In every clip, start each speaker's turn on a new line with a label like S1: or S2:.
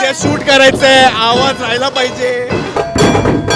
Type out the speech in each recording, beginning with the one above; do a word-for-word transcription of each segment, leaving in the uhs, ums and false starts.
S1: उद्या शूट करायचंय, आवाज राहिला पाहिजे.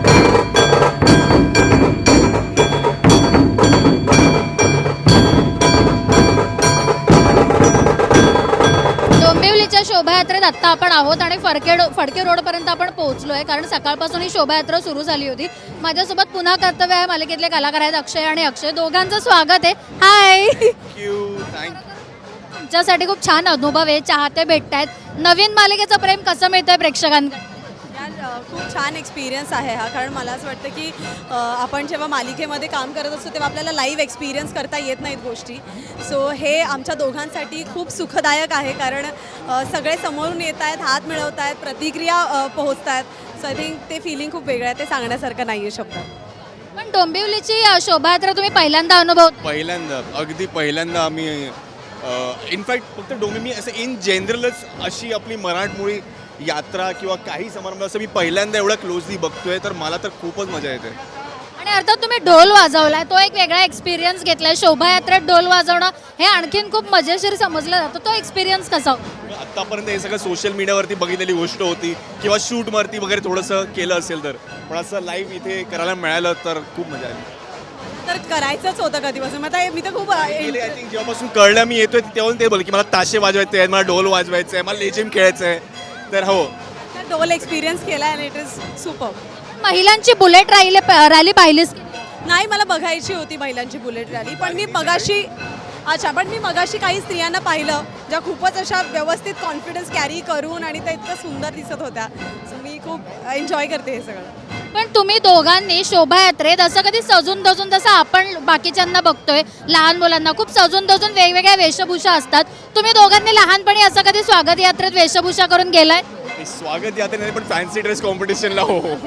S2: डोंबिवलीच्या शोभायात्रेत आत्ता आपण आहोत आणि फडके फडके रोडपर्यंत आपण पोहोचलोय, कारण सकाळपासून ही शोभायात्रा सुरू झाली होती. माझ्यासोबत पुन्हा कर्तव्य आहे मालिकेतले कलाकार आहेत अक्षय आणि अक्षय. दोघांचं स्वागत आहे. हाय.
S1: Thank you thank you.
S2: तुमच्यासाठी खूप छान अनुभव आहे, चाहते भेटतायत. नवीन मालिकेचं प्रेम कसं मिळतंय प्रेक्षकांकडे?
S3: यार अ, खूप छान एक्सपिरियन्स आहे हा. कारण मला असं वाटतं की अ, आपण जेव्हा मालिकेमध्ये काम करत असतो तेव्हा आपल्याला लाईव्ह एक्सपिरियन्स करता येत नाहीत गोष्टी. सो हे आमच्या दोघांसाठी खूप सुखदायक आहे, कारण अ, सगळे समोरून येत आहेत, हात मिळवत आहेत, प्रतिक्रिया अ, पोहोचत आहेत. सो आय थिंक ते फिलिंग खूप वेगळं आहे, ते सांगण्यासारखं नाही आहे शब्दात.
S2: पण डोंबिवलीची अ, शोभायात्रा तुम्ही पहिल्यांदा अनुभव
S1: पहिल्यांदा अगदी पहिल्यांदा आम्ही इनफॅक्ट फक्त डोंबी मी असं इन जनरलच अशी आपली मराठमोळी यात्रा किंवा काही समारंभ असं मी पहिल्यांदा एवढं क्लोजली बघतोय, तर मला तर खूपच मजा येते.
S2: आणि अर्थात तुम्ही ढोल वाजवलाय, तो एक वेगळा एक्सपिरियन्स घेतलाय. शोभायात्रेत ढोल वाजवणं हे आणखीन खूप मजेशीर समजलं जातं. तो एक्सपिरियन्स कसा होता?
S1: आत्तापर्यंत हे सगळं सोशल मीडियावरती बघितलेली गोष्ट होती किंवा शूटवरती वगैरे थोडंसं केलं असेल तर, पण असं लाईव्ह इथे करायला मिळालं तर खूप मजा आली.
S3: तर करायचंच होतं कधीपासून. मग आता मी तर खूप अ,
S1: गेले आय थिंक जेव्हापासून कळलं मी येतोय तेव्हा ते बोल की मला ताशे वाजवायचे आहेत, मला ढोल वाजवायचं आहे, मला लेझिम खेळायचं आहे. तर हो,
S3: ढोल एक्सपिरियन्स केला आणि इट इज सुपर.
S2: महिलांची बुलेट रॅली रॅली पाहिलीस की?
S3: नाही, मला बघायची होती महिलांची बुलेट रॅली, पण मी मगाशी अच्छा पण मी मगाशी काही स्त्रियांना पाहिलं ज्या खूपच अशा व्यवस्थित कॉन्फिडन्स कॅरी करून आणि त्या इतकं सुंदर दिसत होत्या. सो मी खूप एन्जॉय करते हे सगळं.
S2: पण तुम्ही दोघांनी शोभायात्रेत असं कधी सजून धजून, जसं आपण बाकीच्यांना बघतोय लहान मुलांना खूप सजून धजून वेगवेगळ्या वेशभूषा असतात, तुम्ही दोघांनी लहानपणी असं कधी स्वागत यात्रेत वेशभूषा करून गेलाय?
S1: मी स्वागत यात्रे नाही पण फॅन्सी ड्रेस कॉम्पिटिशनला हो हो.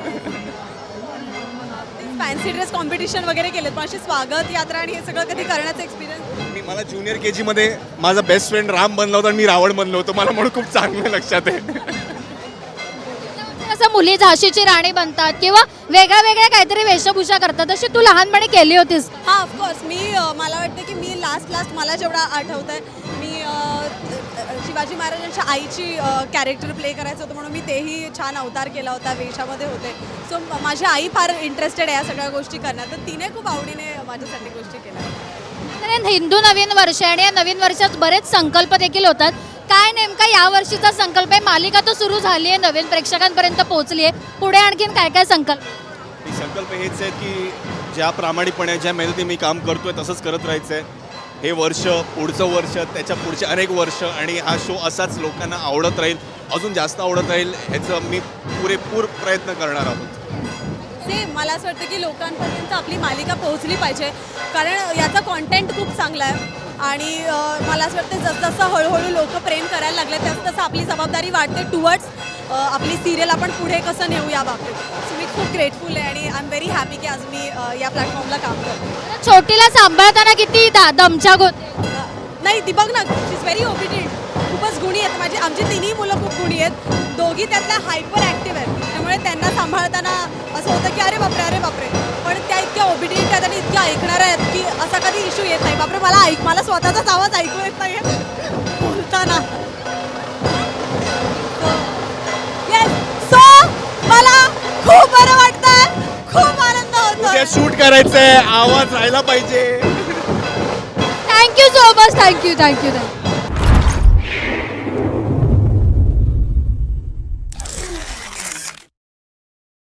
S3: फॅन्सी ड्रेस कॉम्पिटिशन वगैरे केलेत, पण अशी स्वागत यात्रा आणि हे सगळं कधी करण्याचं एक्सपिरियन्स.
S1: मी मला ज्युनियर के जीमध्ये माझा बेस्ट फ्रेंड राम बनला होता आणि मी रावण बनलो होतो. मला म्हणून खूप चांगलं लक्षात आहे.
S2: असं मुली झाशीची राणी बनतात किंवा वेगळ्या वेगळ्या काहीतरी वेशभूषा करतात, अशी तू लहानपणी केली होतीस?
S3: हां, ऑफकोर्स. मी अ, मला वाटतं की मी लास्ट लास्ट मला जेवढा आठवतं आहे मी अ, शिवाजी महाराजांच्या आईची कॅरेक्टर प्ले करायचं होतं, म्हणून मी तेही छान अवतार केला होता, वेशामध्ये होते. सो माझी आई फार इंटरेस्टेड आहे या सगळ्या गोष्टी करण्यात, तर तिने खूप आवडीने माझ्यासाठी गोष्टी केल्या.
S2: तर हिंदू नवीन वर्ष आणि या नवीन वर्षात बरेच संकल्प देखील होतात. काय नेमका या वर्षीचा संकल्प आहे? मालिका तर सुरू झाली आहे, नवीन प्रेक्षकांपर्यंत पोहोचली आहे, पुढे आणखीन काय काय संकल्प?
S1: मी संकल्प हेच आहेत की ज्या प्रामाणिकपणे ज्या मेहनती मी काम करतोय तसंच करत राहायचं आहे. हे वर्ष, पुढचं वर्ष, त्याच्या पुढचे अनेक वर्ष आणि हा शो असाच लोकांना आवडत राहील, अजून जास्त आवडत राहील, ह्याचं मी पुरेपूर प्रयत्न करणार आहोत.
S3: सेम मला असं वाटतं की लोकांपर्यंत आपली मालिका पोहोचली पाहिजे, कारण याचा कॉन्टेंट खूप चांगला आहे. आणि अ, मला असं वाटतं जसजसं हळूहळू लोक प्रेम करायला लागले तसं तसं आपली जबाबदारी वाढते टुवर्ड्स आपली सिरियल आपण पुढे कसं नेऊ या बाबतीत. सो मी खूप ग्रेटफुल आहे आणि आय एम व्हेरी हॅपी की आज मी अ, या प्लॅटफॉर्मला काम करते.
S2: छोटीला सांभाळताना किती दा- दमछाक होते?
S3: अ, नाही ती बघ ना, शी इज व्हेरी ओबिडियंट. खूपच गुणी आहेत. माझी आमची तिन्ही मुलं खूप गुणी आहेत. दोघी त्यातल्या हायपर ॲक्टिव्ह आहेत, त्यामुळे त्यांना सांभाळताना असं होतं की अरे बापरे अरे बापरे, पण त्या इतक्या ओबिडियंट आहेत आणि इतक्या ऐकणाऱ्या आहेत की असा कधी इश्यू येत नाही. बापरे, मला ऐक मला स्वतःचाच आवाज ऐकू येत नाही बोलताना. येस, सो मला खूप बरं वाटतंय, खूप आनंद
S1: उद्या
S3: होतोय.
S1: शूट करायचंय, आवाज राहिला पाहिजे.
S2: Thank you so much. Thank you thank you thank you